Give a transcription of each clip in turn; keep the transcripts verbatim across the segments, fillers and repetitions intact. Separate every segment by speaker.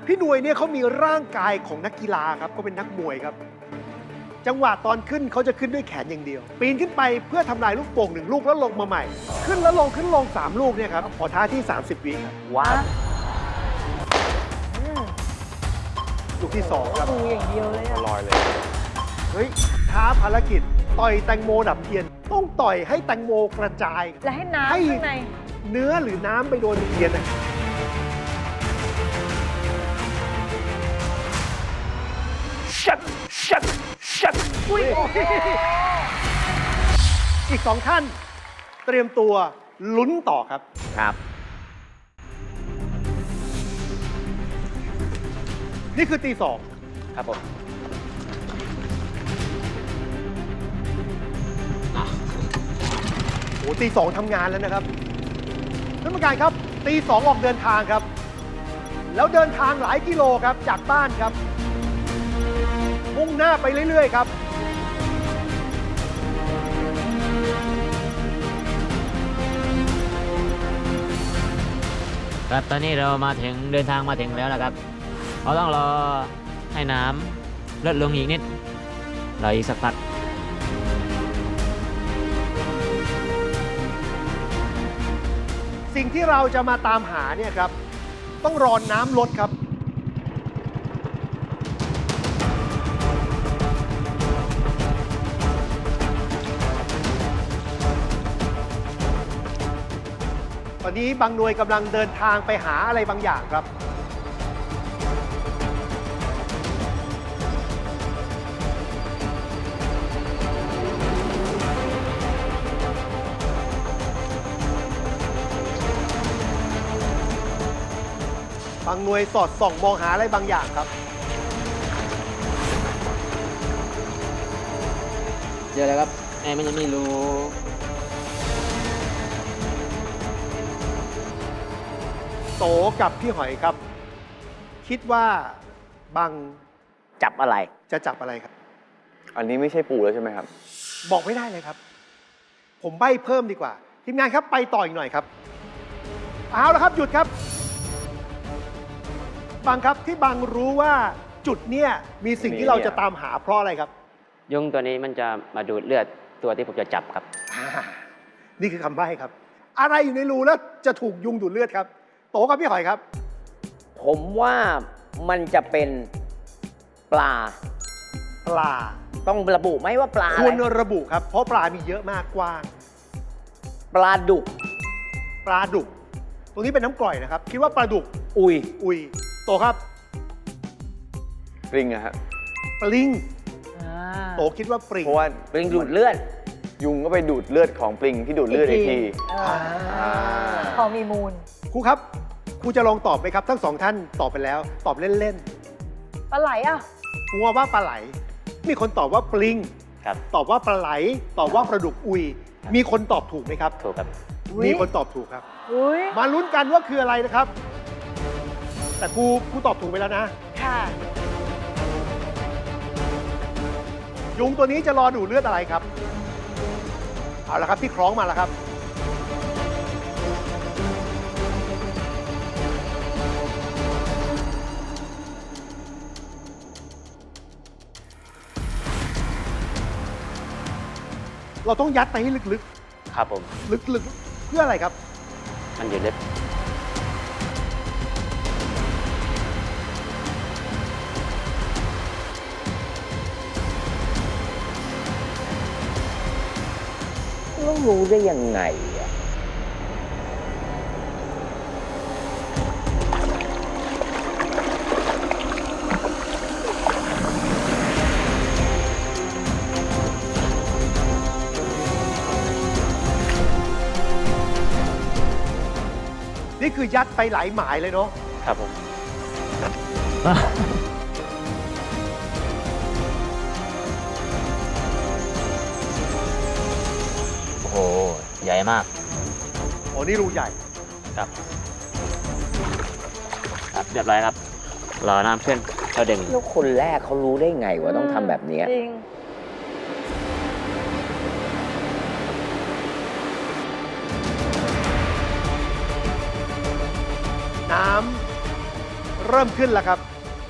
Speaker 1: พี่หน่วยเนี่ยเขามีร่างกายของนักกีฬาครับก็เป็นนักมวยครับจังหวะตอนขึ้นเขาจะขึ้นด้วยแขนอย่างเดียว ปีนขึ้นไปเพื่อทำลายลูกโป่งหนึ่งลูกแล้วลงมาใหม่ ขึ้นแล้วลงขึ้นลงสามลูกเนี่ยครับขอท้าที่สามสิบวิครับ
Speaker 2: ว้าว
Speaker 1: ลูกที่สองครับ
Speaker 3: ดูอย่างเดียวเลยอะ
Speaker 2: ลอยเลย
Speaker 1: เฮ้ยท้าภารกิจต่อยแตงโมดับเทียน ต้องต่อยให้แตงโมกระจาย
Speaker 3: และให้น้ำ
Speaker 1: ให้
Speaker 3: ข้างใน
Speaker 1: เนื้อหรือน้ำไปโดนเทียนนะชัดชัดชัดอุ้ยอีกสองท่าน เตรียมตัวลุ้นต่อครับ
Speaker 2: ครับ
Speaker 1: นี่คือตีสอง
Speaker 2: ครับผม
Speaker 1: โอ้ตีสองทำงานแล้วนะครับท่านผู้การครับตีสองออกเดินทางครับ แล้วเดินทางหลายกิโลครับจากบ้านครับ มุ่งหน้าไปเรื่อยๆครับ
Speaker 4: ครับตอนนี้เรามาถึงเดินทางมาถึงแล้วนะครับเราต้องรอให้น้ำลดลงอีกนิดรออีกสักพัก
Speaker 1: สิ่งที่เราจะมาตามหาเนี่ยครับ ต้องรอน้ำลดครับ ตอนนี้บางหน่วยกำลังเดินทางไปหาอะไรบางอย่างครับ บางหน่วยสอดส่องมองหาอะไรบางอย่างครับ
Speaker 4: เดี๋ยวแล้วครับแม่มันยังไม่รู้
Speaker 1: โตกับพี่หอยครับ คิดว่าบาง
Speaker 2: จับอะไร
Speaker 1: จะจับอะไรครับ
Speaker 5: อันนี้ไม่ใช่ปูแล้วใช่ไหมครับ
Speaker 1: บอกไม่ได้เลยครับ ผมใบ้เพิ่มดีกว่า ทีมงานครับไปต่ออีกหน่อยครับ เอาละครับหยุดครับ บางครับที่บางรู้ว่าจุดเนี้ยมีสิ่งที่เราจะตามหาเพราะอะไรครับ
Speaker 4: ยุงตัวนี้มันจะมาดูดเลือดตัวที่ผมจะจับครับ
Speaker 1: อ่านี่คือคำใบ้ครับ อะไรอยู่ในรูแล้วจะถูกยุงดูดเลือดครับ โตกับพี่หอยครับ
Speaker 2: ผมว่ามันจะเป็นปลา
Speaker 1: ปลา
Speaker 2: ต้องระบุไหมว่าปลาอะ
Speaker 1: ควร
Speaker 2: ไร
Speaker 1: ระบุครับ เพราะปลามีเยอะมากกว้าง
Speaker 2: ปลาดุก
Speaker 1: ปลาดุก ตรงนี้เป็นน้ำกร่อยนะครับ คิดว่าปลาดุก
Speaker 2: อุย
Speaker 1: อุย โตครับ
Speaker 5: ปริงอะฮะ
Speaker 1: ปลิง
Speaker 3: อ่า
Speaker 1: โตคิดว่าปลิง
Speaker 5: เพราะว่า
Speaker 2: ปลิงดูดเลือด
Speaker 5: ยุงก็ไปดูดเลือดของปลิงที่ดูดเลือดอีกที
Speaker 3: เออ
Speaker 1: อ่า
Speaker 3: พอมีมูล
Speaker 1: ครูครับ ครูจะลองตอบไหมครับ ทั้งสองท่านตอบไปแล้ว ตอบเล่น
Speaker 3: ปลาไหลอ่ะ
Speaker 1: ๆครูว่าปลาไหล มีคนตอบว่าปลิง
Speaker 4: ครับ
Speaker 1: ตอบว่าปลาไหล ตอบว่าปลาดุกอุย มีคนตอบถูกไหมครับ
Speaker 4: ถูกครับ
Speaker 3: อุ๊ย
Speaker 1: มีคนตอบถูกครับ
Speaker 3: อุ้ย
Speaker 1: มาลุ้นกันว่าคืออะไรนะครับ แต่ครูครูตอบถูกไปแล้วนะ
Speaker 3: ค่ะ
Speaker 1: ยุงตัวนี้จะรอดูดเลือดอะไรครับ เอาละครับที่คล้องมาแล้วครับ เราต้องยัดไปให้ลึก
Speaker 4: ครับผม
Speaker 1: ๆ ลึกๆ เพื่ออะไรครับ
Speaker 4: มันอยู่ลึก
Speaker 2: ต้องรู้ได้ยังไงอะ
Speaker 1: นี่คือยัดไปหลายหมายเลยเนาะ
Speaker 4: ครับผม โอ้โห ใหญ่มาก
Speaker 1: อ๋อ นี่รูใหญ่
Speaker 4: ครับ ครับเรียบร้อยครับ รอน้ำขึ้นเราดึง
Speaker 2: แล้วคนแรกเขารู้ได้ไงว่าต้องทำแบบเนี้ย
Speaker 3: จริง
Speaker 1: น้ำเริ่มขึ้นแล้วครับ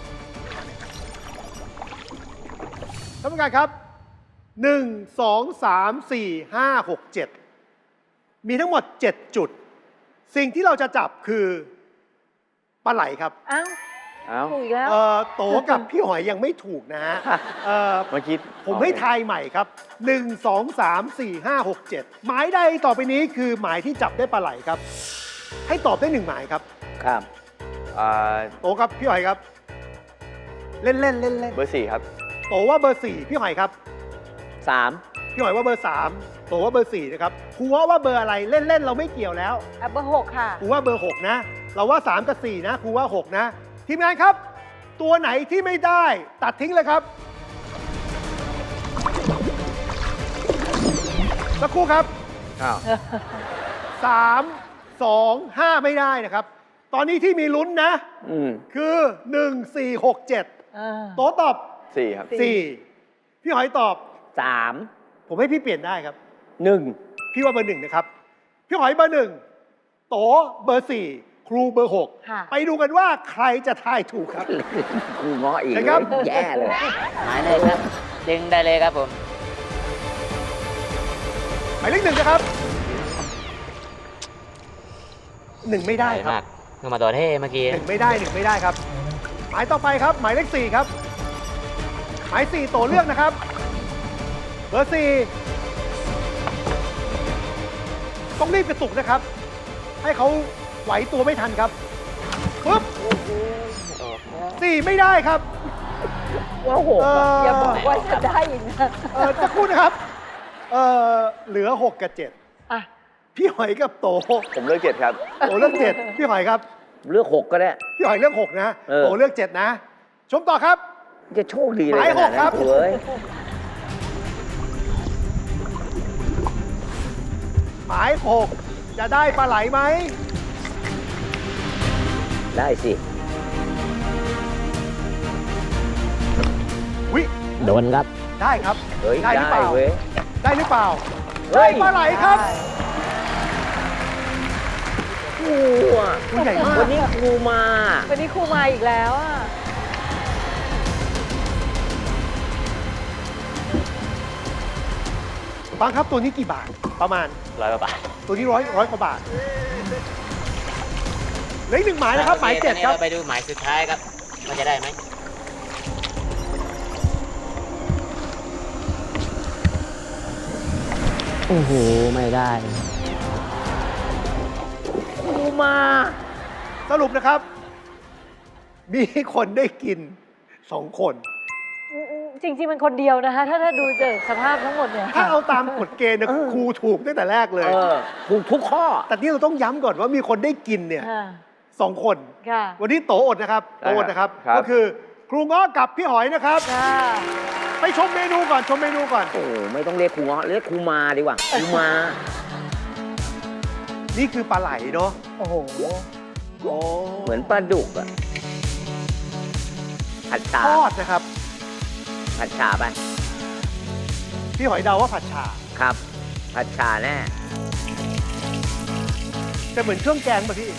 Speaker 1: ท่านผู้การครับ หนึ่ง สอง สาม สี่ ห้า หก เจ็ด มีทั้งหมด เจ็ด จุด สิ่งที่เราจะจับคือปลาไหลครับ
Speaker 3: อ้าว
Speaker 5: เอ้า
Speaker 3: ถูกอีกแล้ว
Speaker 1: เอ่อโตกับพี่หอยยังไม่ถูกนะฮะเอ่อ
Speaker 5: เมื่อกี้
Speaker 1: ผมให้ทายใหม่ครับ หนึ่ง สอง สาม สี่ ห้า หก เจ็ด หมายใดต่อไปนี้คือหมายที่จับได้ปลาไหลครับ ให้ตอบได้หนึ่งหมายครับ
Speaker 2: ครับ
Speaker 5: อ่า
Speaker 1: โตครับพี่หอยครับ เล่นเล่นเล่นเล่น
Speaker 5: เบอร์สี่ครับ
Speaker 1: โตว่าเบอร์สี่พี่หอยครับ
Speaker 2: สาม
Speaker 1: พี่หอยว่าเบอร์สามโตว่าเบอร์สี่นะครับครูว่าว่าเบอร์อะไรเล่นเล่นเราไม่เกี่ยวแล้ว
Speaker 3: อ่ะเบอร์หกค่ะ
Speaker 1: ครูว่าเบอร์หกนะ เราว่าสามกับสี่นะครูว่าหกนะทีมงานครับ ตัวไหนที่ไม่ได้ตัดทิ้งเลยครับสักครู่ครับ
Speaker 5: อ้าว
Speaker 1: สามสองห้าไม่ได้นะครับ ตอนนี้ที่มีลุ้นนะ
Speaker 2: อืม
Speaker 1: คือหนึ่ง สี่ หก เจ็ด
Speaker 3: อ่า
Speaker 1: โตตอบ
Speaker 5: สี่ครับ
Speaker 3: สี่
Speaker 1: สี่พี่หอยตอบ
Speaker 2: สาม
Speaker 1: ผมให้พี่เปลี่ยนได้ครับ
Speaker 2: หนึ่ง
Speaker 1: พี่ว่าเบอร์หนึ่งนะครับ พี่หอยเบอร์หนึ่งโตเบอร์สี่ครูเบอร์หก
Speaker 3: ค่ะ
Speaker 1: ไปดูกันว่าใครจะทายถูกครับ
Speaker 2: ครูง้ออีก
Speaker 1: นะครับ
Speaker 2: แย่เลย
Speaker 4: หมายเลขครับ ดึงได้เลยครับผม
Speaker 1: หมายเลขหนึ่งนะครับหนึ่งไม่ได้ค
Speaker 4: มา
Speaker 1: รับ
Speaker 4: กเพิ่งมาตัวเท่เมื่อกี้
Speaker 1: หนึ่งไม่ได้หนึ่งไม่ได้ครับ หมายต่อไปครับ หมายเลขสี่ครับ หมายสี่โตเลือกนะครับ เบอร์สี่ต้องรีบกระตุกนะครับ ให้เขาไหวตัวไม่ทันครับปึ๊บสี่ไม่ได้ครับ
Speaker 2: ว่าหก
Speaker 1: เอ
Speaker 2: อะ
Speaker 1: อ
Speaker 3: อย่าบอกว่าจะได้อีกนะ
Speaker 1: เออสักครู่นะครับเออเหลือหกกับเจ็ด
Speaker 3: อ่ะ
Speaker 1: พี่หอยกับโต
Speaker 5: ผมเลือกเจ็ดครับ
Speaker 1: โตเลือกเจ็ดพี่หอยครับ
Speaker 2: เลือกหกก็ได้
Speaker 1: พี่หอยเลือกหกนะ
Speaker 2: เออ
Speaker 1: โตเลือกเจ็ดนะ ชมต่อครับ
Speaker 2: จะโชคดีเลย
Speaker 1: หมาย
Speaker 2: ขนาด
Speaker 1: หกครั
Speaker 2: นั้
Speaker 1: บ
Speaker 2: นเว้ย
Speaker 1: หมายหกจะได้ปลาไหลไหม
Speaker 2: ได้สิ
Speaker 1: วิ
Speaker 4: โดนครับ
Speaker 1: ได้ครับ
Speaker 2: เฮ้ย
Speaker 1: ได้หรือเปล่า
Speaker 2: เว้ย
Speaker 1: ได้หรือเปล่า
Speaker 2: เฮ้ย
Speaker 1: ได้ปลาไหลครับ
Speaker 2: ครูอ่ะ
Speaker 1: ตัวใหญ่มาก
Speaker 2: วันนี้ครูมา
Speaker 3: วันนี้ครูมาอีกแล้วอ่ะ
Speaker 1: บางครับตัวนี้กี่บาท ประมาณ
Speaker 5: ร้อยกว่าบาท
Speaker 1: ตัวนี้ร้อยร้อยกว่าบาทเหลืออีกหนึ่งหมายนะครับ หมายเจ็ดครับ
Speaker 4: ไปดูหมายสุดท้ายครับมันจะได้ไหม โอ้โห ไม่ได้
Speaker 2: ครูมา
Speaker 1: สรุปนะครับ มีคนได้กินสองคน
Speaker 3: จริง ๆ มันคนเดียวนะคะ ถ้าถ้าดูจากสภาพทั้งหมดเนี่ย
Speaker 1: ถ้าเอาตามกฎเกณฑ์เนี่ย
Speaker 2: เออ
Speaker 1: ครูถูกตั้งแต่แรกเลย
Speaker 2: เออถูกทุกข้อ
Speaker 1: แต่นี่เราต้องย้ำก่อนว่ามีคนได้กินเนี่ย
Speaker 3: ค่ะ
Speaker 1: สองคน
Speaker 3: ค่ะ
Speaker 1: วันนี้โตอดนะครับโตอดนะครับ
Speaker 5: ครับ
Speaker 1: ก็คือครูง้อกับพี่หอยนะครับ
Speaker 3: ค่ะ
Speaker 1: ไปชมเมนูก่อนชมเมนูก่อน
Speaker 2: โอ้ไม่ต้องเรียกครูเงาะเรียกครูมาดีกว่าครูมา
Speaker 1: นี่คือปลาไหลเนาะ
Speaker 3: โอ้โห
Speaker 1: โอ้
Speaker 2: เหมือนปลาดุกอะผัดชา
Speaker 1: ทอดนะครับ
Speaker 2: ผัดชาไป
Speaker 1: พี่หอยเดาว่าผัดฉ่า
Speaker 2: ครับ ผัดชาแน่
Speaker 1: แต่เหมือนเครื่องแกงป่ะพี่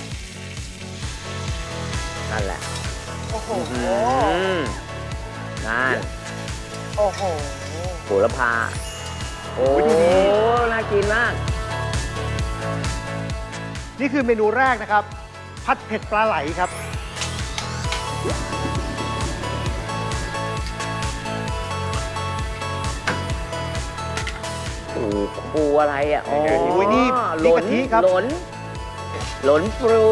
Speaker 2: นั่นแหละ
Speaker 3: โอ้โห
Speaker 2: อืมนั่น
Speaker 3: โอ้โห
Speaker 2: โหระพา โอ้
Speaker 1: โอ้ยดูดิ
Speaker 2: น่ากินมาก
Speaker 1: นี่คือเมนูแรกนะครับ ผัดเผ็ดปลาไหลครับ
Speaker 2: โอ้ครูอะไรอ่ะอ๋อ
Speaker 1: โอ้ยนี่
Speaker 2: ห
Speaker 1: นี่
Speaker 2: ล
Speaker 1: กะทิครับ
Speaker 2: หลนหลนปรู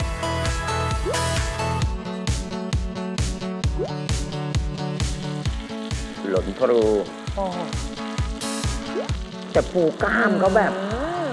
Speaker 2: หลนปรู
Speaker 3: โอ้โห
Speaker 2: แต่ปูกล้ามเขาแบบ
Speaker 3: อืม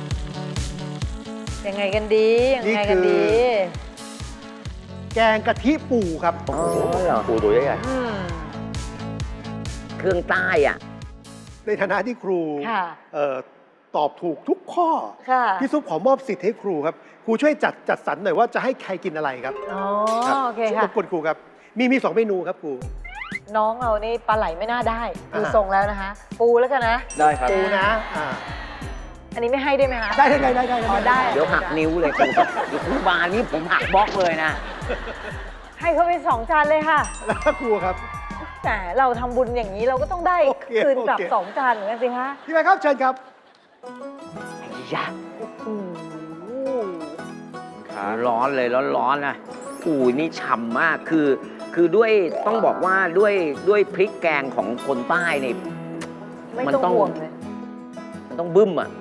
Speaker 3: ยังไงกันดี ยัง
Speaker 1: นี่
Speaker 3: ไง
Speaker 1: คื
Speaker 3: กัน
Speaker 1: อ
Speaker 3: ดี
Speaker 1: แกงกะทิปูครับ
Speaker 2: อ๋อเหรอ
Speaker 5: ปูตัวใหญ่
Speaker 3: อืม
Speaker 2: เครื่องใต้อ่ะ
Speaker 1: ในฐานะที่ครู
Speaker 3: ค่ะ
Speaker 1: เอ่อตอบถูกทุกข้อ
Speaker 3: ค่ะ
Speaker 1: พี่ซุปขอมอบสิทธิ์ให้ครูครับ ครูช่วยจัดจัดสรรหน่อยว่าจะให้ใครกินอะไรครับ
Speaker 3: อ๋อ
Speaker 1: รับ
Speaker 3: โอเค
Speaker 1: ร
Speaker 3: ค่ะ
Speaker 1: บกวนครูครับ มีมีสองเมนูครับครู
Speaker 3: น้องเรานี่ปลาไหลไม่น่าได้ดู
Speaker 1: อ่า
Speaker 3: ทรงแล้วนะคะ ปูแล้วกันนะ
Speaker 5: ได้ครับ
Speaker 1: ปูนะอ่า
Speaker 3: อันนี้ไม่ให้ได้ไหมคะ
Speaker 1: ได้ได้ได้ได้ได้
Speaker 3: อ๋อได้
Speaker 2: เดี๋ยวหักนิ้วเลยครูเดี๋ยวครูบานี่ผมหักบล็อกเลยนะ
Speaker 3: ให้เขาไปสองจานเลยค่ะ
Speaker 1: แล้วครูครับ
Speaker 3: แต่เราทำบุญอย่างนี้เราก็ต้องได้
Speaker 1: โอเค
Speaker 3: คืนกลับ
Speaker 1: โอเค
Speaker 3: สองจานเหมือนกันสิคะ
Speaker 1: พี่แม่ครับเชิญครับ
Speaker 2: ไอ้ยะ
Speaker 3: โอ้โห
Speaker 5: ครับ
Speaker 2: ร้อนเลยร้อนๆนะอู้ยนี่ฉ่ำมากคือ คือด้วยต้องบอกว่าด้วยด้วยพริกแกงของคนใต้นี่
Speaker 3: ไม่
Speaker 2: มัน
Speaker 3: ต้อง
Speaker 2: ต้อง
Speaker 3: ห่วงเลย
Speaker 2: มันต้องบึ้มอ่ะ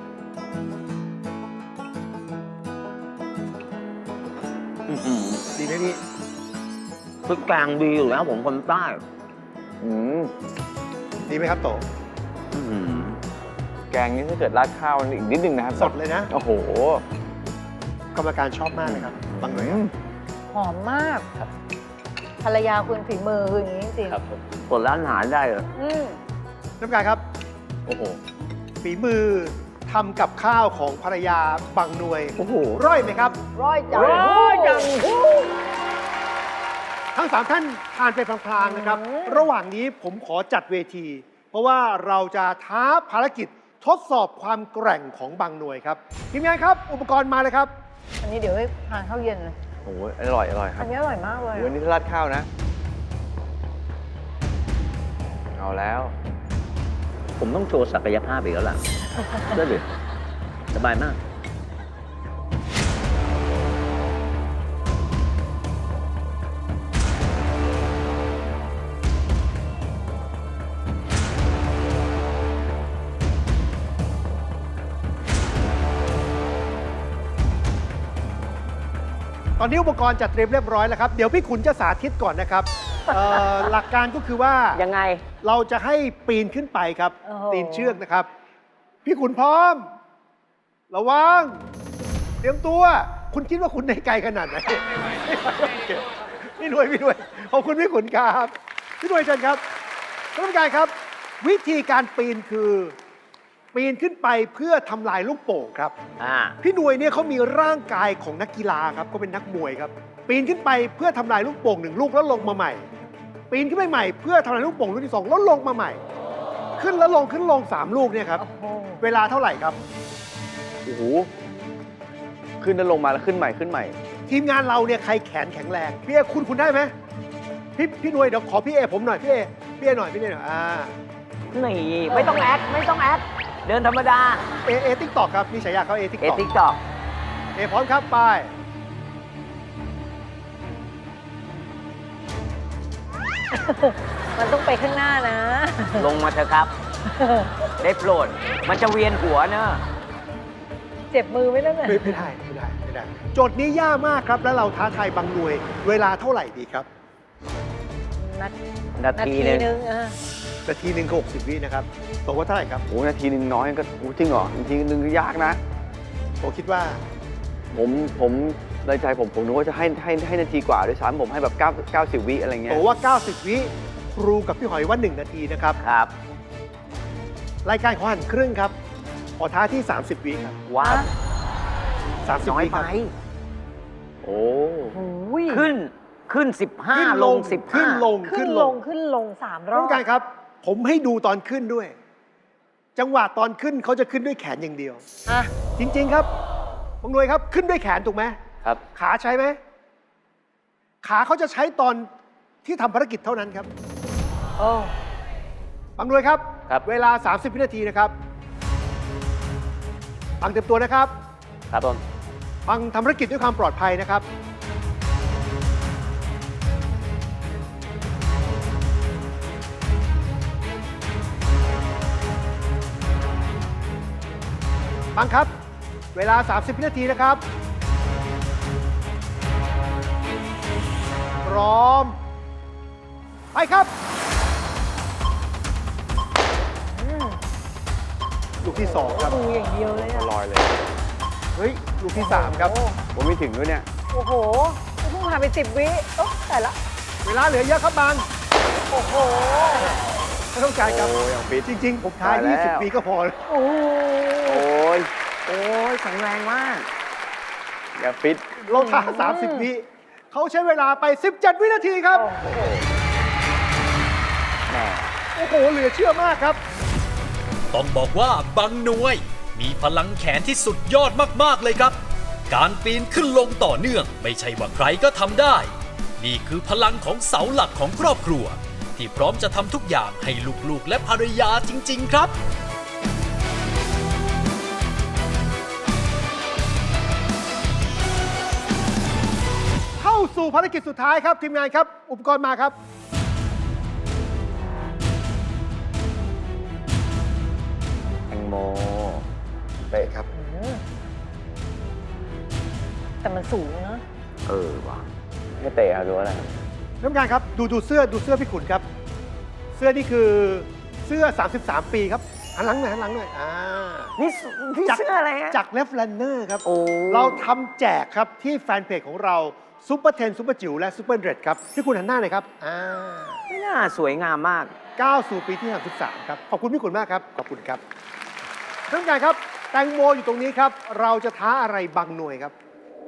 Speaker 2: อื้อหือ
Speaker 1: ดีไหมพี่
Speaker 2: พริกแกงดีอยู่แล้วผมคนใต้
Speaker 5: อืม
Speaker 1: ดีไหมครับโต
Speaker 2: อื้อหือ
Speaker 5: แกงนี้ถ้าเกิดราดข้าวอีกนิดนึงนะครับ
Speaker 1: สดเลยนะ
Speaker 5: โอ้โห
Speaker 1: กรรมการชอบมากเลยครับบางหน่วยครับ
Speaker 3: หอมมากภรรยาคุณฝีมือคืออย่างนี้จริง
Speaker 5: ครับผม
Speaker 2: เปิดร้านอาหารได้เหรอ
Speaker 3: ๆอืม
Speaker 1: ท่านผู้การครับ
Speaker 5: โอ้โห
Speaker 1: ฝีมือทำกับข้าวของภรรยาบางหน่วย
Speaker 2: โอ้โห
Speaker 1: ร่อยไหมครับ
Speaker 3: ร้อยจัง
Speaker 2: ร้อยจัง
Speaker 1: ทั้งสามท่านทานไปพลางๆนะครับ
Speaker 3: อืม
Speaker 1: ระหว่างนี้ผมขอจัดเวที เพราะว่าเราจะท้าภารกิจทดสอบความแกร่งของบางหน่วยครับทีมงานครับ อุปกรณ์มาเลยครับ
Speaker 3: อันนี้เดี๋ยวให้ทานข้าวเย็นเลย
Speaker 5: โอ้โหอร่อย อร่อยครั
Speaker 3: อั
Speaker 5: บ
Speaker 3: นนี้อร่อยมากเลย
Speaker 5: วันนี้ถ้าราดข้าวนะ เอาแล้ว
Speaker 2: ผมต้องโชว์ศักยภาพอีกแล้วล่ะ ได้เลยสบายมาก
Speaker 1: ตอนนี้อุปกรณ์จัดเตรียมเรียบร้อยแล้วครับ เดี๋ยวพี่ขุนจะสาธิตก่อนนะครับเอ่อ หลักการก็คือว่า
Speaker 2: ยังไง
Speaker 1: เราจะให้ปีนขึ้นไปครับ
Speaker 3: โอ้โห
Speaker 1: ปีนเชือกนะครับ พี่ขุนพร้อม ระวัง เตรียมตัว คุณคิดว่าคุณในไกลขนาดไหนโอเคพี่หน่วยพี่หน่วยขอบคุณพี่ขุนครับพี่หน่วยเชิญครับท่านผู้การครับ วิธีการปีนคือ ปีนขึ้นไปเพื่อทำลายลูกโป่งครับ
Speaker 2: อ่า
Speaker 1: พี่หน่วยเนี่ยเขามีร่างกายของนักกีฬาครับเขาเป็นนักมวยครับ ปีนขึ้นไปเพื่อทำลายลูกโป่งหนึ่งลูกแล้วลงมาใหม่ ปีนขึ้นไปใหม่เพื่อทำลายลูกโป่งลูกที่สองแล้วลงมาใหม่ ขึ้นแล้วลงขึ้นลงสามลูกเนี่ยครับ
Speaker 3: โอ้โห
Speaker 1: เวลาเท่าไหร่ครับ
Speaker 5: โอ้โห ขึ้นแล้วลงมาแล้วขึ้นใหม่ขึ้นใหม่
Speaker 1: ทีมงานเราเนี่ยใครแขนแข็งแรงพี่เอคุณคุณได้ไหมพี่พี่หน่วยเดี๋ยวขอพี่เอผมหน่อยพี่เอพี่เอหน่อยพี่เอหน่อยอ่า
Speaker 2: นี่ไม่ต้องแอคไม่ต้องแอคเดินธรรมดา
Speaker 1: เอเอติ๊กตอกครับมีฉายาเขาเอติ๊ก
Speaker 2: เอ
Speaker 1: ตอก
Speaker 2: ติ๊กตอก
Speaker 1: เอพร้อมครับไป
Speaker 3: มันต้องไปข้างหน้านะ
Speaker 2: ลงมาเถอะครับ ได้โปรด มันจะเวียนหัวเนอะ
Speaker 3: เจ็บมือไหมนั่นน่ะ
Speaker 1: ไม่ไม่ได้ไม่ได้ไม่ได้ โจทย์นี้ยากมากครับ แล้วเราท้าทายบางหน่วย เวลาเท่าไหร่ดีครับ
Speaker 3: นา
Speaker 2: นา
Speaker 3: นา
Speaker 2: ที
Speaker 3: ที
Speaker 2: หนึง
Speaker 3: นึงอ่ะ
Speaker 1: นาทีหนึ่งก็หกสิบวินะครับตกว่าเท่าไหร่ครับ
Speaker 5: โอ้โหนาทีนึงน้อยก็โอ้จริงเหรอ นาทีนึงก็ยากนะ
Speaker 1: ผมคิดว่า
Speaker 5: ผมผมในใจผมผมนึกว่าจะให้ให้ให้นาทีกว่าด้วยซ้ำผมให้แบบ9 90 วิอะไรเงี้
Speaker 1: โต
Speaker 5: ย
Speaker 1: ว่า เก้าสิบ วิครูกับพี่หอยว่า หนึ่ง นาทีนะครับ
Speaker 2: ครับ
Speaker 1: รายการขอหันครึ่งครับ ขอท้าที่ สามสิบ วิครับ
Speaker 2: ว้าว
Speaker 1: สามสิบ
Speaker 2: น้อย
Speaker 1: วิค
Speaker 2: ไป
Speaker 1: รับ
Speaker 5: โอ้
Speaker 3: โอ้ย
Speaker 2: ขึ้นขึ้นสิบห้า
Speaker 1: ขึ้น
Speaker 2: ล
Speaker 1: ล
Speaker 2: ง
Speaker 1: ง
Speaker 2: สิบ
Speaker 1: ขึ้
Speaker 2: ห้าน
Speaker 1: ลง
Speaker 3: ขึ้
Speaker 1: ขึ้
Speaker 3: น
Speaker 1: น
Speaker 3: ล
Speaker 1: ล
Speaker 3: ง
Speaker 1: ง
Speaker 3: ขึ้นลงสามร
Speaker 1: ต้
Speaker 3: อ
Speaker 1: อบ งการครับ ผมให้ดูตอนขึ้นด้วย จังหวะตอนขึ้นเขาจะขึ้นด้วยแขนอย่างเดียว
Speaker 3: อ่ะ
Speaker 1: จริง ๆ ครับบางหน่วยครับขึ้นด้วยแขนถูกไหม
Speaker 5: ครับ
Speaker 1: ขาใช้ไหม ขาเขาจะใช้ตอนที่ทำภารกิจเท่านั้นครับ
Speaker 3: โอ้
Speaker 1: บางหน่วยครับ
Speaker 5: ครับ
Speaker 1: เวลา สามสิบ วินาทีนะครับฟังเต็มตัวนะครับ
Speaker 5: ครับผม
Speaker 1: ฟังทำภารกิจด้วยความปลอดภัยนะครับ ฟังครับ เวลา สามสิบ วินาทีนะครับ พร้อม ไปครับ
Speaker 3: อืม
Speaker 1: ลูกที่สองครับ
Speaker 3: ดูอย่างเดียวเลยอ่ะ
Speaker 5: ลอยเลย
Speaker 1: เฮ้ย ลูกที่สามครับ
Speaker 5: ผมไม่ถึงด้วยเนี่ย
Speaker 3: โอ้โหเพิ่งผ่านไปสิบวิโอ้แต่ละ
Speaker 1: เวลาเหลือเยอะครับบาง
Speaker 3: โอ้โห
Speaker 1: ไม่ต้องการครับ
Speaker 5: โอ้ยังฟิต
Speaker 1: จริง ๆ ผมท้าย
Speaker 5: ตายแล้ว
Speaker 1: ยี่สิบ วิก็พอ
Speaker 3: โอ้โห
Speaker 5: โอ้ย
Speaker 2: โอ้ยแข็งแรงมาก
Speaker 5: อย่าฟิต
Speaker 1: เราท้าสามสิบ วิ เขาใช้เวลาไป สิบเจ็ด วินาทีครับ
Speaker 5: แหม
Speaker 1: โอ้โห เหลือเชื่อมากครับ
Speaker 6: ต้องบอกว่าบางหน่วยมีพลังแขนที่สุดยอดมากๆเลยครับ การปีนขึ้นลงต่อเนื่องไม่ใช่ว่าใครก็ทำได้นี่คือพลังของเสาหลักของครอบครัว ที่พร้อมจะทำทุกอย่างให้ลูกๆและภรรยาจริงๆครับ
Speaker 1: เข้าสู่ภารกิจสุดท้ายครับทีมงานครับ อุปกรณ์มาครับ
Speaker 5: แตงโมเตะครับ
Speaker 3: อืมแต่มันสูงเนอะ
Speaker 2: เออว่ะ
Speaker 5: ให้เตะครับหรือว่าอะไรครับ
Speaker 1: ท่านผู้การครับดูดูเสื้อดูเสื้อพี่ขุนครับ เสื้อนี่คือเสื้อ สามสิบสาม ปีครับหันหลังหน่อยหันหลังหน่อยอ่า
Speaker 2: นี่พี่เสื้ออะไรฮะ
Speaker 1: จากเลฟแลนเนอร์ครับ
Speaker 2: โอ้
Speaker 1: เราทำแจกครับที่แฟนเพจของเราซูเปอร์เทนซูเปอร์จิ๋วและซูเปอร์เดรดครับพี่ขุนหันหน้าหน่อยครับอ่า
Speaker 2: ไม่น่าสวยงามมาก
Speaker 1: ก้าวสู่ปีที่ สามสิบสาม ครับขอบคุณพี่ขุนมากครับขอบคุณครับท่านผู้การครับแตงโมอยู่ตรงนี้ครับเราจะท้าอะไรบางหน่วยครับ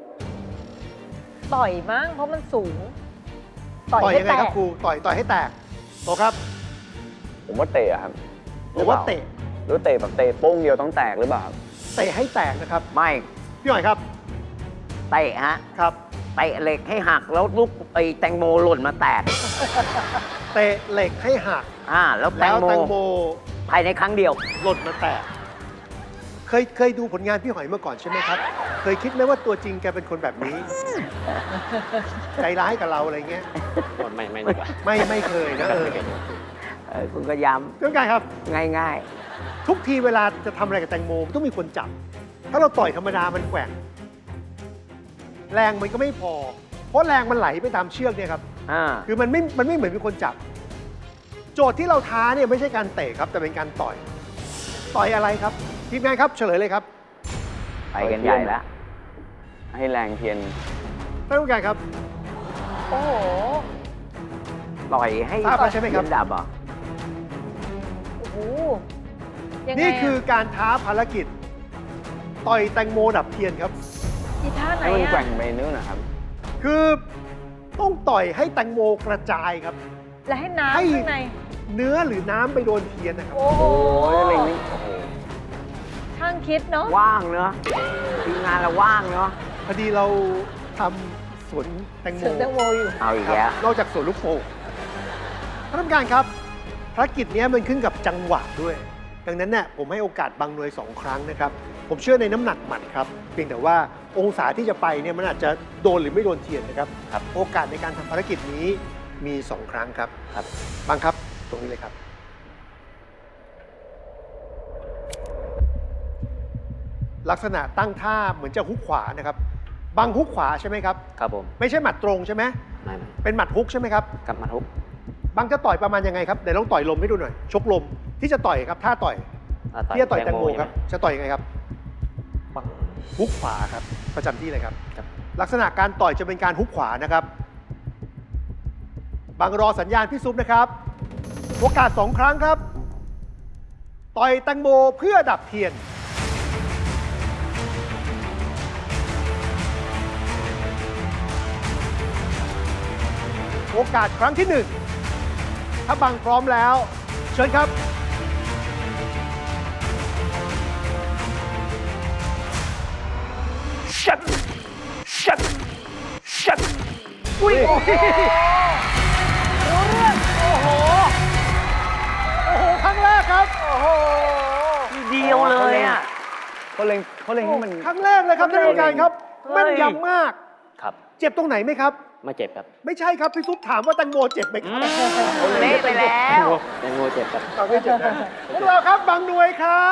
Speaker 3: ต่อยมั้งเพราะมันสูง
Speaker 1: ต่อย
Speaker 3: ให้
Speaker 1: ยังไงครับ
Speaker 3: แตก
Speaker 1: ครูต่อยต่อยให้แตกโตครับ
Speaker 5: ผมว่าเตะครับ
Speaker 1: หรือว่าเตะ
Speaker 5: หรือเตะแบบเตะโป้งเดียวต้องแตกหรือเปล่าครับ
Speaker 1: เตะให้แตกนะครับ
Speaker 2: ไม่
Speaker 1: พี่หน่อยครับ
Speaker 2: เตะฮะ
Speaker 1: ครับ
Speaker 2: เตะเหล็กให้หักแล้วลูกไอ้แตงโมหล่นมาแตก
Speaker 1: เตะเหล็กให้หัก
Speaker 2: อ่าแล้วแต
Speaker 1: แล้
Speaker 2: ง
Speaker 1: ว
Speaker 2: โม
Speaker 1: แตงโม
Speaker 2: ภายในครั้งเดียว
Speaker 1: หล่นมาแตกเคยเคยดูผลงานพี่หอยเมื่อก่อนใช่ไหมครับ เคยคิดไหมว่าตัวจริงแกเป็นคนแบบนี้ ใจร้ายกับเราอะไรเงี้ย
Speaker 4: ไม่ไม่ดีกว่า
Speaker 1: ไม่ไม่เคยนะเออ
Speaker 2: เออคุณก็ย้
Speaker 1: เรื่องการครับ
Speaker 2: ำง่าย
Speaker 1: ทุกทีเวลาจะทำอะไรกับแตงโมต้องมีคนจับ ถ้าเราต่อยธรรมดามันแกว่ง แรงมันก็ไม่พอ เพราะแรงมันไหลไปตามเชือกเนี่ยครับ
Speaker 2: ๆอ่า
Speaker 1: คือมันไม่ มันไม่เหมือนมีคนจับ โจทย์ที่เราท้าเนี่ยไม่ใช่การเตะครับ แต่เป็นการต่อย ต่อยอะไรครับ ทีมงานครับเฉลยเลยครับ
Speaker 2: ไปกันใหญ่แล้ว
Speaker 5: ให้แรงเทียน
Speaker 1: ท่านผู้การครับ
Speaker 3: โอ้โห
Speaker 2: ต่อยให้
Speaker 1: ทราบแล้วใช่ไหมครับ
Speaker 2: เทียนดับเหรอ่ะ
Speaker 3: โอ้โหยังไง
Speaker 1: นี่
Speaker 3: ะ
Speaker 1: คือการท้าภารกิจ ต่อยแตงโมดับเทียนครับ
Speaker 3: อีท่าไหน
Speaker 5: ให้มัน
Speaker 3: อะ
Speaker 5: แกว่งไปนู่นนะครับ
Speaker 1: คือต้องต่อยให้แตงโมกระจายครับ
Speaker 3: และให้น้ำ
Speaker 1: ให้
Speaker 3: ข้างใน
Speaker 1: เนื้อหรือน้ำไปโดนเทียนนะครับ
Speaker 3: โอ้โห
Speaker 5: โอ้ยอะไรนี่โอ้โห
Speaker 3: ช่างคิดเนาะ
Speaker 2: ว่างเนอะทีมงานเราว่างเนอะ
Speaker 1: พอดีเราทำสวนแตงโม
Speaker 3: ถึงแตงโมอยู่
Speaker 2: เอาอีก
Speaker 1: ครับ
Speaker 2: แล้ว
Speaker 1: นอกจากสวนลูกโป่งท่านผู้การครับภารกิจเนี้ยมันขึ้นกับจังหวะด้วย ดังนั้นเนี่ยผมให้โอกาสบางหน่วยสองครั้งนะครับ ผมเชื่อในน้ำหนักหมัดครับ เพียงแต่ว่าองศาที่จะไปเนี่ยมันอาจจะโดนหรือไม่โดนเทียนนะครับครับ โอกาสในการทำภารกิจนี้มีสองครั้งครับครับบางครับตรงนี้เลยครับ ลักษณะตั้งท่าเหมือนจะฮุกขวานะครับบางฮุกขวาใช่ไหมครับ
Speaker 4: ครับผม
Speaker 1: ไม่ใช่หมัดตรงใช่ไหม
Speaker 4: ไม่ไม่
Speaker 1: เป็นหมัดฮุกใช่ไหมครับ
Speaker 4: กลับมาทุก
Speaker 1: บางจะต่อยประมาณยังไงครับเดี๋ยวลองต่อยลมให้ดูหน่อย ชกลมที่จะต่อยครับท่าต่อย
Speaker 4: อ่า
Speaker 1: ที่จะต่อยแตงโม
Speaker 4: ใช่ไห
Speaker 1: ครับ จะต่อยยังไงครับ
Speaker 4: ปัง
Speaker 1: ฮุกขวาครับ ประจำที่เลยครับ
Speaker 4: ครับ
Speaker 1: ลักษณะการต่อยจะเป็นการฮุกขวานะครับ บางรอสัญญาณพี่ซุปนะครับ โอกาสสองครั้งครับ ต่อยแตงโมเพื่อดับเทียน โอกาสครั้งที่หนึ่งถ้าบางพร้อมแล้ว เชิญครับ
Speaker 2: ชัดชัดชัด
Speaker 1: อุ้ยโอ้โห
Speaker 3: รู้เรื่อง โอ้โห
Speaker 1: โอ้โห ครั้งแรกครับ
Speaker 3: โอ้โห
Speaker 2: ทีเดียวเลยอ่ะ
Speaker 5: เขาเล็งเขาเล็งให้มัน
Speaker 1: ครั้งแรกเลยครับท่านผู้การครับ
Speaker 2: เฮ้ย
Speaker 1: แม่นยำมาก
Speaker 4: ครับ
Speaker 1: เจ็บตรงไหนไหมครับ
Speaker 4: ไม่เจ็บครับ
Speaker 1: ไม่ใช่ครับ พี่ซุปถามว่าแตงโมเจ็บไหมครับ
Speaker 2: เละไปแล้ว
Speaker 4: แตงโมเจ็บครับ
Speaker 1: เอาไม่เจ็บนะพวกเราครับบางหน่วยครับ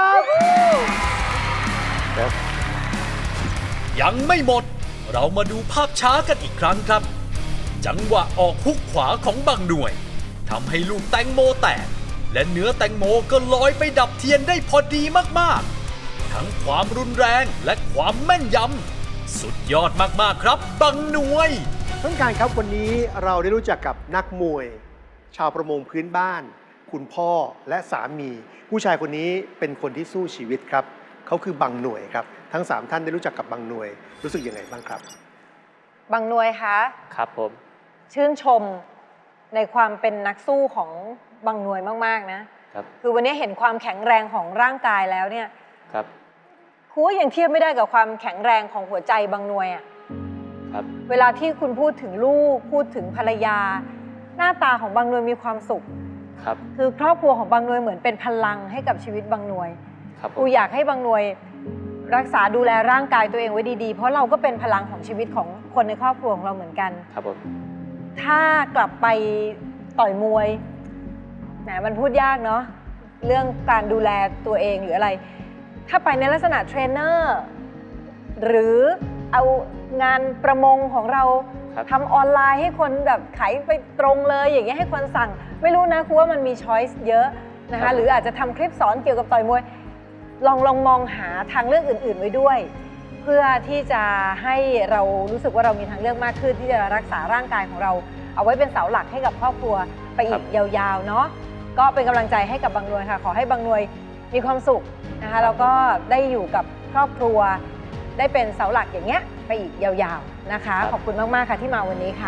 Speaker 6: ยังไม่หมด เรามาดูภาพช้ากันอีกครั้งครับ จังหวะออกฮุกขวาของบางหน่วยทำให้ลูกแตงโมแตก และเนื้อแตงโมก็ลอยไปดับเทียนได้พอดีมากๆ ทั้งความรุนแรงและความแม่นยำสุดยอดมากๆครับบางหน่วย
Speaker 1: ท่านผู้การครับวันนี้เราได้รู้จักกับนักมวย ชาวประมงพื้นบ้าน คุณพ่อและสามี ผู้ชายคนนี้เป็นคนที่สู้ชีวิตครับเขาคือบางหน่วยครับทั้งสามท่านได้รู้จักกับบางหน่วยรู้สึกยังไงบ้างครับ
Speaker 3: บางหน่วยคะ
Speaker 4: ครับผม
Speaker 3: ชื่นชมในความเป็นนักสู้ของบางหน่วยมากๆนะครับ คือวันนี้เห็นความแข็งแรงของร่างกายแล้วเนี่ย
Speaker 4: ครับ
Speaker 3: ครูว่ายังเทียบไม่ได้กับความแข็งแรงของหัวใจบางหน่วยอ่ะ
Speaker 4: คครับ
Speaker 3: เวลาที่คุณพูดถึงลูกพูดถึงภรรยา หน้าตาของบางหน่วยมีความสุข
Speaker 4: ครับ
Speaker 3: คือครอบครัวของบางหน่วยเหมือนเป็นพลังให้กับชีวิตบางหน่วย
Speaker 4: ครับผ
Speaker 3: ครู
Speaker 4: ม
Speaker 3: อยากให้บางหน่วยรักษาดูแลร่างกายตัวเองไว้ดีๆ เพราะเราก็เป็นพลังของชีวิตของคนในครอบครัวของเราเหมือนกัน
Speaker 4: ครับผม
Speaker 3: ถ้ากลับไปต่อยมวยแหมมันพูดยากเนาะเรื่องการดูแลตัวเองหรืออะไร ถ้าไปในลักษณะเทรนเนอร์หรือเอางานประมงของเรา
Speaker 4: ครับ
Speaker 3: ทำออนไลน์ให้คนแบบขายไปตรงเลยอย่างเงี้ยให้คนสั่ง ไม่รู้นะครูว่ามันมีช้อยส์เยอะนะ
Speaker 4: ครั
Speaker 3: คะ
Speaker 4: บ
Speaker 3: หรืออาจจะทำคลิปสอนเกี่ยวกับต่อยมวย ลองลองมองหาทางเลือกอื่น ๆ ไว้ด้วย เพื่อที่จะให้เรารู้สึกว่าเรามีทางเลือกมากขึ้นที่จะรักษาร่างกายของเรา เอาไว้เป็นเสาหลักให้กับครอบครัวไปอีกยาวๆเนาะก็เป็นกำลังใจให้กับบางหน่วยค่ะ ขอให้บางหน่วยมีความสุขนะคะแล้วก็ได้อยู่กับครอบครัว ได้เป็นเสาหลักอย่างเงี้ยไปอีกยาวๆนะคะ ขอบคุณมากๆค่ะที่มาวันนี้ค่ะ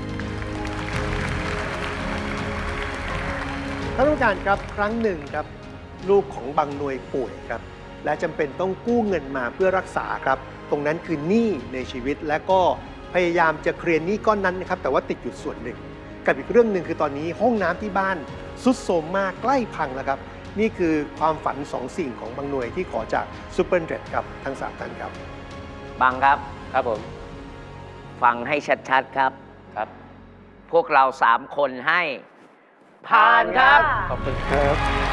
Speaker 1: ท่านผู้การครับครั้งหนึ่งครับลูกของบางหน่วยป่วยครับและจำเป็นต้องกู้เงินมาเพื่อรักษาครับตรงนั้นคือหนี้ในชีวิตและก็พยายามจะเคลียร์หนี้ก้อนนั้นนะครับแต่ว่าติดอยู่ส่วนหนึ่งกับอีกเรื่องหนึ่งคือตอนนี้ห้องน้ำที่บ้านสุดโทรมมากใกล้พังแล้วครับนี่คือความฝันสองสิ่งของบางหน่วยที่ขอจากซูเปอร์เดรดครับทั้งสามท่านครับ
Speaker 2: บางครับ
Speaker 4: ครับผม
Speaker 2: ฟังให้ชัดๆครับ
Speaker 4: ครับ
Speaker 2: พวกเราสามคนให้ผ่านครับ
Speaker 4: ขอบคุณครับ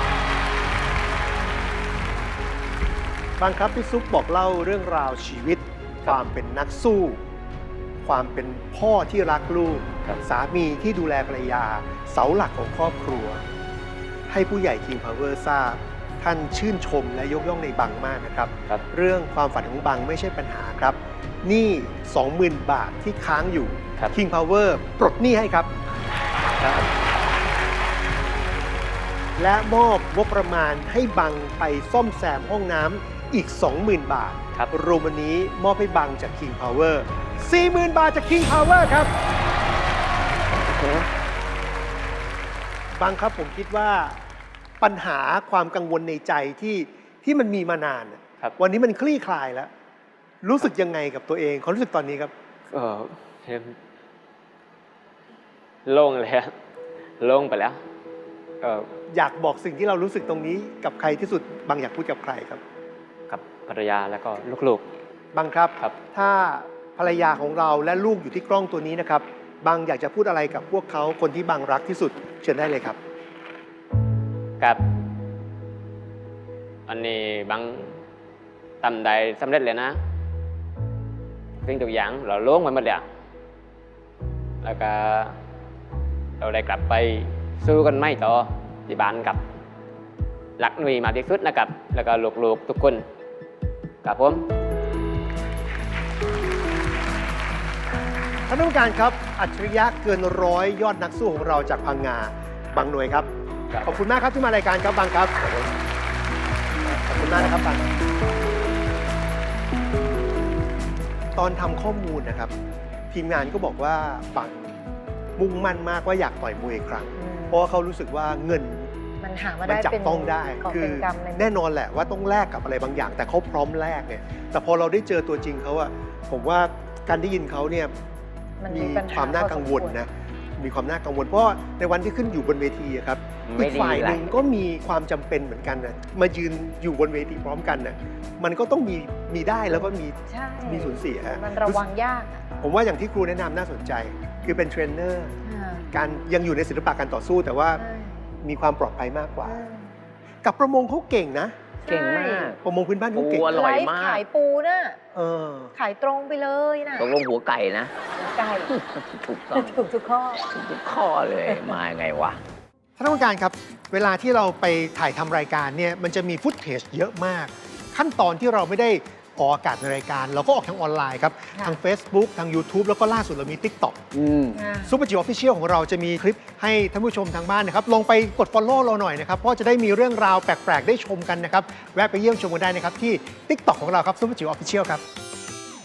Speaker 1: บางครับพี่ซุปบอกเล่าเรื่องราวชีวิต ความเป็นนักสู้ ความเป็นพ่อที่รักลูก
Speaker 4: ครับ
Speaker 1: สามีที่ดูแลภรรยา เสาหลักของครอบครัว ให้ผู้ใหญ่ King Power ทราบ ท่านชื่นชมและยกย่องในบังมากนะครับ
Speaker 4: ครับ
Speaker 1: เรื่องความฝันของบังไม่ใช่ปัญหาครับหนี้ สองหมื่น บาทที่ค้างอยู่
Speaker 4: ครับ
Speaker 1: King Power ปลดหนี้ให้ครับ
Speaker 4: ครับ
Speaker 1: และมอบงบประมาณให้บังไปซ่อมแซมห้องน้ำอีก สองหมื่น บาท
Speaker 4: ครับ
Speaker 1: รวมวันนี้มอบให้บังจาก King Power สี่หมื่น บาทจาก King Power ครับบังครับผมคิดว่าปัญหาความกังวลในใจที่ที่มันมีมานานน่ะ
Speaker 4: ครับ
Speaker 1: วันนี้มันคลี่คลายแล้ว รู้สึกยังไงกับตัวเองความรู้สึกตอนนี้ครับ
Speaker 4: เออเห็นโล่งเลยอะโล่งไปแล้วเออ
Speaker 1: อยากบอกสิ่งที่เรารู้สึกตรงนี้กับใครที่สุดบางอยากพูดกับใครครับ
Speaker 4: กับภรรยาแล้วก็ลูก
Speaker 1: บางครับ
Speaker 4: ครับ
Speaker 1: ถ้าภรรยาของเราและลูกอยู่ที่กล้องตัวนี้นะครับบางอยากจะพูดอะไรกับพวกเขาคนที่บางรักที่สุดเชิญได้เลยครับ
Speaker 4: ๆกับอันนี้บางทำได้สำเร็จเลยนะสิ่งทุกอย่างเราโล่งไปหมดเลยอะแล้วก็เราได้กลับไปสู้กันไม่ต่อที่บ้านกับหลักหน่วยมากที่สุดนะครับ แล้วก็ลูกๆทุกคนกับผม
Speaker 1: ท่านผู้การครับอัจฉริยะเกินร้อยยอดนักสู้ของเราจากพังงาบางหน่วยครับ
Speaker 4: ครับ
Speaker 1: ขอบคุณมากครับที่มารายการครับบางครับขอบคุณมากนะครับบางตอนทำข้อมูลนะครับ ทีมงานก็บอกว่าบางมุ่งมั่นมากว่าอยากต่อยมวยอีกครั้ง เพราะว่าเขารู้สึกว่าเงิน
Speaker 3: มันหามา
Speaker 1: มัน
Speaker 3: ได้
Speaker 1: จับ
Speaker 3: เป็น
Speaker 1: ต้องได้
Speaker 3: กอบ
Speaker 1: คื
Speaker 3: เป็นกำเลย
Speaker 1: แน่นอนแหละว่าต้องแลกกับอะไรบางอย่าง แต่เขาพร้อมแลกเนี่ยแต่พอเราได้เจอตัวจริงเขาอะผมว่าการได้ยินเขาเนี่ย
Speaker 3: มัน
Speaker 1: มี
Speaker 3: ปัญห
Speaker 1: ความน่ากังวลนะมีความน่ากังวล เพราะว่าในวันที่ขึ้นอยู่บนเวทีอะครับ
Speaker 2: ไม่
Speaker 1: อีก
Speaker 2: ดี
Speaker 1: ฝ่ายหนึ่ง
Speaker 2: แหละ
Speaker 1: ก็มีความจำเป็นเหมือนกันนะมายืนอยู่บนเวทีพร้อมกันน่ะมันก็ต้องมีมีได้แล้วก็มี
Speaker 3: ใช่
Speaker 1: มีสูญเสีย
Speaker 3: มันระวังยากอะ
Speaker 1: ผมว่าอย่างที่ครูแนะนำน่าสนใจ คือเป็นเทรนเนอร์
Speaker 3: อ่า
Speaker 1: การยังอยู่ในศิลปะการต่อสู้ แต่ว่า
Speaker 3: ใช่
Speaker 1: มีความปลอดภัยมากกว่า
Speaker 3: อืม
Speaker 1: กับประมงเขาเก่งนะ
Speaker 2: เก่งมาก
Speaker 1: ประมงพื้นบ้านเขาเก่ง
Speaker 2: โอ้อร่อย
Speaker 3: ไลฟ์
Speaker 2: มาก
Speaker 3: ขายปูน่ะ
Speaker 1: เออ
Speaker 3: ขายตรงไปเลยน่ะ
Speaker 2: ตกลงหัวไก่นะ
Speaker 3: ไก่
Speaker 2: ถูกต้อง
Speaker 3: ถูกทุกข้อ
Speaker 2: ทุกข้อเลยมาไงวะ
Speaker 1: ท่านผู้การครับ เวลาที่เราไปถ่ายทำรายการเนี่ยมันจะมีฟุตเทจเยอะมาก ขั้นตอนที่เราไม่ได้ออกอากาศในรายการ เราก็ออกทางออนไลน์ครับ
Speaker 3: ค่ะ
Speaker 1: ทาง Facebook ทาง YouTube แล้วก็ล่าสุดเรามี TikTok
Speaker 5: อืม
Speaker 3: อ่า
Speaker 1: ซูเปอร์จิ๋วออฟฟิเชียลของเราจะมีคลิปให้ท่านผู้ชมทางบ้านนะครับลองไปกด Follow เราหน่อยนะครับ เพราะจะได้มีเรื่องราวแปลก ๆ ได้ชมกันนะครับ แวะไปเยี่ยมชมกันได้นะครับที่ TikTok ของเราครับซูเปอร์จิ๋วออฟฟิเชียลครับ